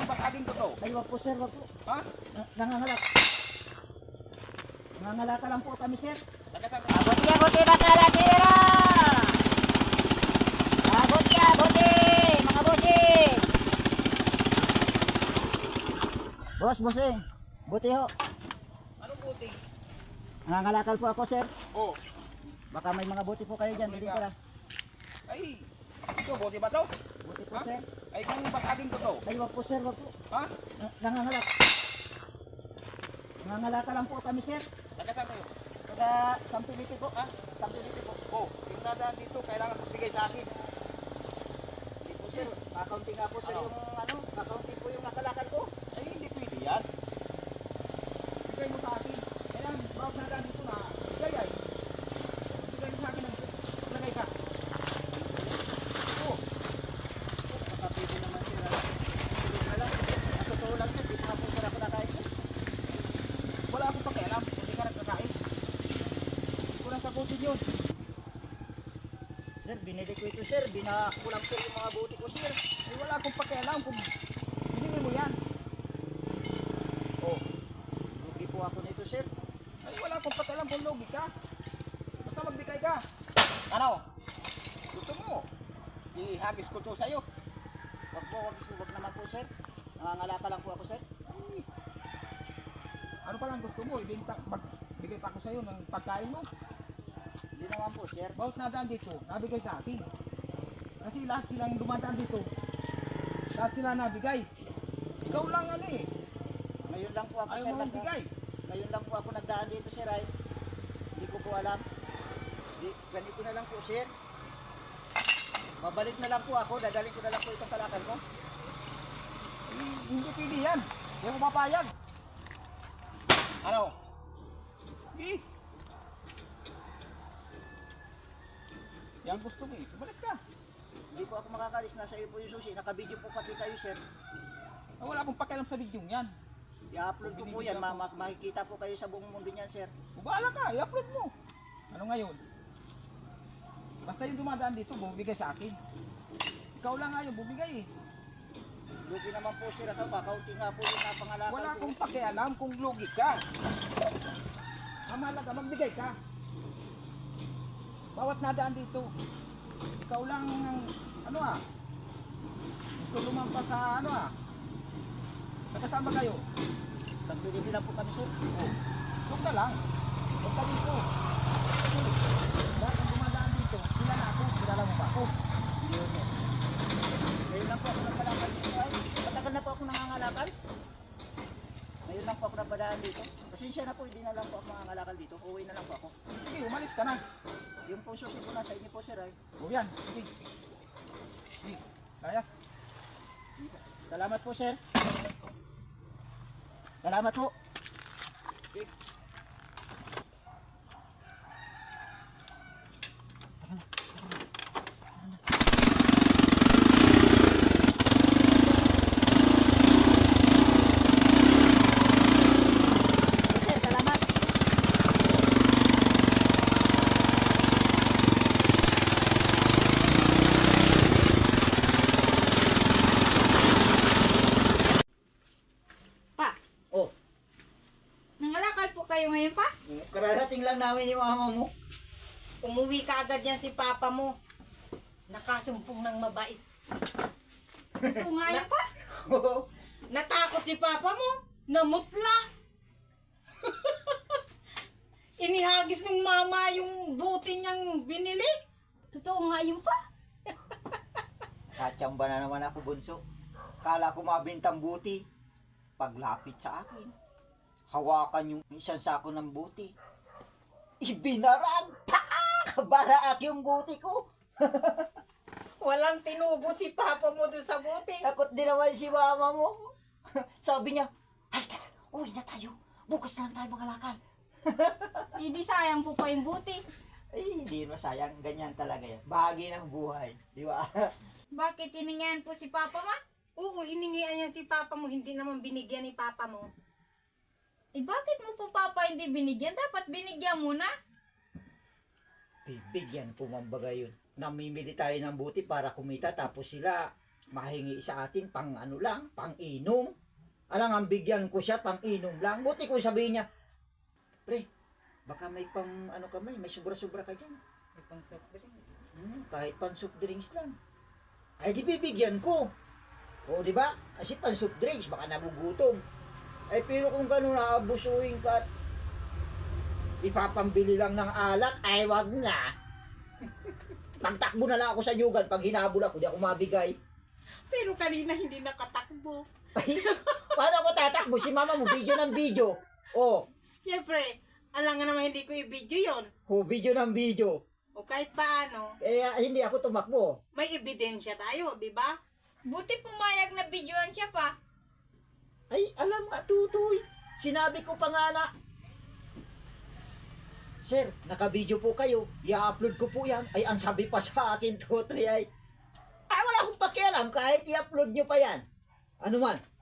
bataging ko to? Ay, wag po sir, wag po. Ha? Nangangalak. Nangangalaka lang po kami sir. Nagasan ko. Abuti bakalatira! Abuti, mga bossing! Bossing, buti ho. Anong buti? Nangangalakal po ako sir. Oh. Baka may mga buti po kayo dyan, hindi ko lang. Ay, ito, buti ba to? Buti po Ha? sir. Ay, kung bataging ko to? Ay, wag po sir, wag po. Ha? Nangangalak. Nangangalaka lang po kami sir. Nagasan ko. Taga Sampiliti po. Ha? Sampiliti po. Oh, yung nadaan dito, kailangan magbigay sa akin. Hindi po sir, accounting nga po sir Ano? yung accounting po yung nakalakal ko. Ay, hindi pwede yan. Bigay mo sa akin. Kailangan, bawat nadaan dito na, bigay ay. Bigay mo sa akin, maglagay ka. Oh, Nakapili naman sir. Tulog na lang. Ang totoo lang sir, di pa po sir ako nakain sir. wala akong pakialam, hindi ka nagkakain. Hindi ko lang sagutin yun. Sir, binili ko ito sir. Binakulang sir yung mga buti ko sir. Ay, wala akong pakialam kung binili mo yan. Oh, lugi po ako nito sir. Ay, wala akong pakialam kung logi ka. Basta magbigay ka. Ano? Gusto mo? Ihagis ko to sa'yo. Wag po, wag naman po sir. Nangangalaka lang po ako sir. Ay, ano pa lang gusto mo? Magbigay pa ako sa'yo ng pagkain mo. Hindi naman po sir. Bawat nadaan dito, nabigay sa akin. Kasi lahat silang dumadaan dito. Lahat sila nabigay. Ikaw lang ano eh. Ngayon lang po ako Ayaw sir. mo magbigay. Ngayon lang po ako nagdaan dito sir ay. Hindi ko po alam. Ganito na lang po sir. Babalik na lang po ako. Dadalhin ko na lang po itong kalakal ko. Hindi pwede yan. Hindi ako papayag. Ano? Hindi. Yan gusto mo eh. Balik ka. Hindi po ako makakalis. Nasa iyo po yung susi. Nakabidyo po pati kayo sir. Ah, wala akong pakialam sa video yan. I-upload ko po yan. Makikita po kayo sa buong mundo niyan sir. Bahala ka. I-upload mo. Ano ngayon? Basta yung dumadaan dito, bumibigay sa akin. Ikaw lang nga yung bumigay eh. Lugi naman po sir ako. Kakaunti nga po yung napangalakal Wala ko. akong pakialam kung lugi ka. Ang mahalaga, magbigay ka. Bawat nadaan dito, ikaw lang ang, ano ah, gusto lumampas sa ano ah. Nagkasama kayo. Sampiliti lang po kami sir. Oh, huwag ka lang. Huwag ka dito. Kasi, dahil ang dumadaan dito, sila na ako, kilala mo ba ako? Hindi po sir. Ngayon lang po ako nagkalakal dito ay. Matagal na po ako nangangalakal. Ngayon lang po ako napadaan dito. Pasensya na po, hindi na lang po ako nangangalakal dito. Uwi na lang po ako. Sige, umalis ka na. Yung po susi po nasa inyo po sir ay. O yan, sige. Sige, kaya. Salamat po sir. Salamat po. Sige. Sir, salamat. Pa, Oh, nangalakal po kayo ngayon pa? kararating lang namin yung mama mo. Umuwi ka agad yan si papa mo. Nakasumpong ng mabait. Ito nga yun pa. Natakot si papa mo. Namutla. Inihagis ng mama yung buti niyang binili. Totoo nga yun pa. Katsamba na naman ako bunso. Kala ko mabintang buti. Paglapit sa akin, hawakan yung isang sako ng buti. Ibinarang! Paak! Baraak yung buti ko. Walang tinubo si papa mo doon sa buti. Takot din naman si mama mo. Sabi niya, halika na, uwi na tayo. Bukas na lang tayo mangalakal. Hindi sayang po pa yung buti. Ay, hindi masayang. Ganyan talaga yan. Bahagi ng buhay. Di ba? Bakit hiningihan po si papa ma? Oo, hiningihan yan si papa mo. Hindi naman binigyan ni papa mo. Eh bakit mo po papa hindi binigyan? Dapat binigyan mo na. Bibigyan ko mambaga yun. Namimili tayo ng buti para kumita tapos sila mahingi sa atin pang ano lang, pang inom. Alang ang bigyan ko siya pang inom lang. Buti ko sabihin niya, pre, baka may pang ano ka may sobra-sobra ka dyan. May pang soft drinks. Kahit pang soft drinks lang. Ay di bibigyan ko. O di ba? Kasi pang soft drinks, baka nagugutom. Ay pero kung gano'n naabusuhin ka at ipapambili lang ng alak, ay wag na. Pagtakbo na lang ako sa yugan, pag hinabol ako, di ako mabigay. Pero kanina hindi nakatakbo. Ay, paano ako tatakbo? Si mama mo, video ng video. Oh, Siyempre, alam nga naman hindi ko i-video yon. video ng video. O kahit paano, Kaya hindi ako tumakbo. may ebidensya tayo, di ba? Buti pumayag na videoan siya pa. Ay, alam nga, tutoy. Sinabi ko pa nga na, Sir, naka-video po kayo. I-upload ko po yan. Ay, ang sabi pa sa akin, tutoy ay, wala akong pakialam kahit i-upload nyo pa yan. Ano man,